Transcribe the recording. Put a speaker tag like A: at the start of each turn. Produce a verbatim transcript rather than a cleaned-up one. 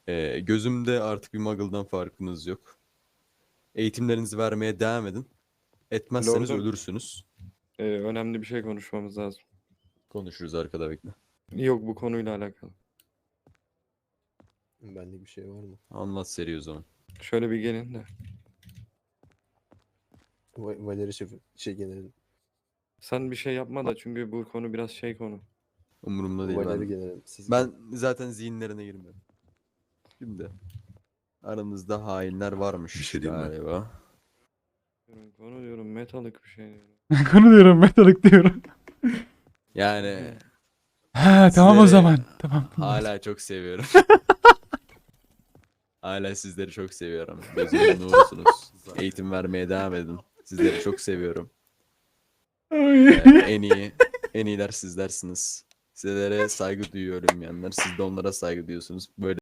A: Ee, gözümde artık bir muggle'dan farkınız yok. Eğitimlerinizi vermeye devam edin. Etmezseniz
B: Lordum,
A: ölürsünüz.
B: e, önemli bir şey konuşmamız lazım.
A: Konuşuruz arkada, bekle.
B: Yok, bu konuyla alakalı.
C: Benlik bir şey var mı?
A: Anlat seri o zaman.
B: Şöyle bir gelin de.
C: Va- Valeri şef şey generalin.
B: Sen bir şey yapma da, çünkü bu konu biraz şey konu.
A: Umurumda değil.
C: Valeri
A: Ben,
C: generalin. Siz
A: ben zaten zihinlerine girmiyorum. Şimdi aranızda hainler varmış
D: Bir şey diyeyim mi?
A: galiba.
B: Diyorum, konu diyorum, metalık bir şey diyorum.
E: Konu diyorum, metalık diyorum.
A: Yani
E: Ha tamam o
A: sizleri
E: zaman. Tamam.
A: hala çok seviyorum. Hala sizleri çok seviyorum. Gözümün nurusunuz. Eğitim vermeye devam edin. Sizleri çok seviyorum.
E: Ay.
A: Ee, en iyi, en iyiler sizlersiniz. Sizlere saygı duyuyorum yanlar. Siz de onlara saygı duyuyorsunuz. Böyle